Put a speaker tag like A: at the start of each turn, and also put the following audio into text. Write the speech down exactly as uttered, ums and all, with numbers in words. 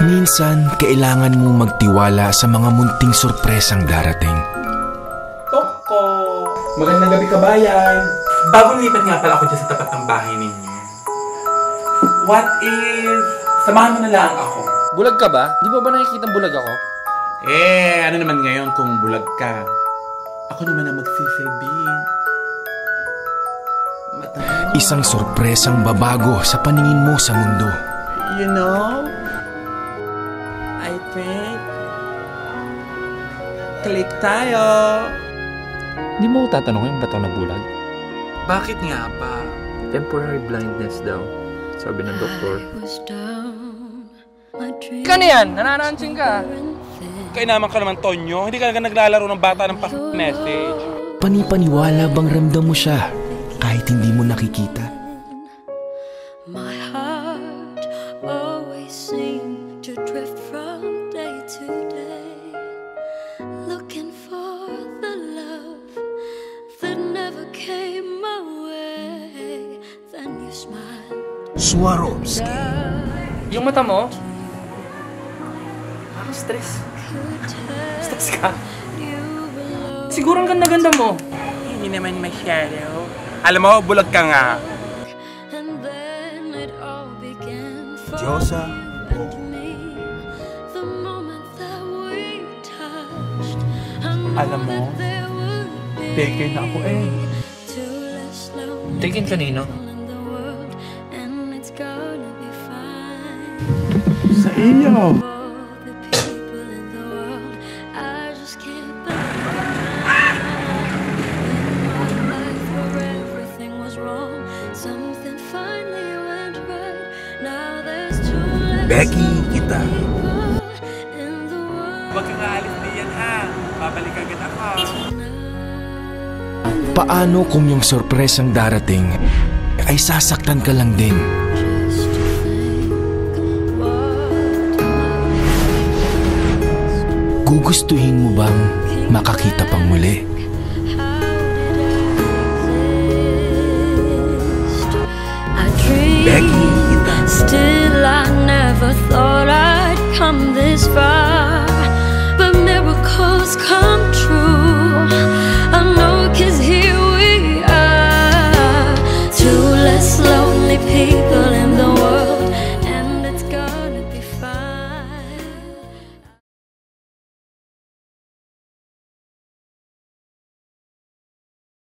A: Minsan, kailangan mong magtiwala sa mga munting sorpresang darating.
B: Toko! Magandang gabi, kabayan! Bagong lipat nga pala ako dyan sa tapat ng bahay ninyo. What if... samahan mo na lang ako?
C: Bulag ka ba? Di ba ba nakikita bulag ako?
B: Eh, ano naman ngayon kung bulag ka? Ako naman ang magsisilbi. Matamo.
A: Isang sorpresang babago sa paningin mo sa mundo.
B: You know, I think click tayo.
C: Di mo ko tatanungin ba't ako nabulag?
B: Bakit nga ba?
C: Temporary blindness daw, sabi ng doktor. Kano yan? Nananansing ka?
B: Kainaman ka naman, Tonyo. Hindi ka na naglalaro ng bata ng pa-message.
A: Panipaniwala bang ramdam mo siya kahit hindi mo nakikita?
D: My heart always seemed to drift from day to day, looking for the love that never came my way. Then you smiled.
A: Swarovski.
C: Yung mata mo? Parang stress. Stress ka? Siguro ang ganda-ganda mo.
B: Hindi naman masyado. Alam mo, bulag ka nga.
A: Diyosa.
B: Alam mo, taken na ako eh.
C: Taken kanino?
B: Sa iyo.
A: Becky kita.
B: Huwag kang aalis diyan ha. Babalik agad ako.
A: Paano kung yung sorpresang darating ay sasaktan ka lang din? Gugustuhin mo bang makakita pang muli? Becky kita.
D: Still I never thought I'd come this far, but miracles come true. I know 'cause here we are, two less lonely people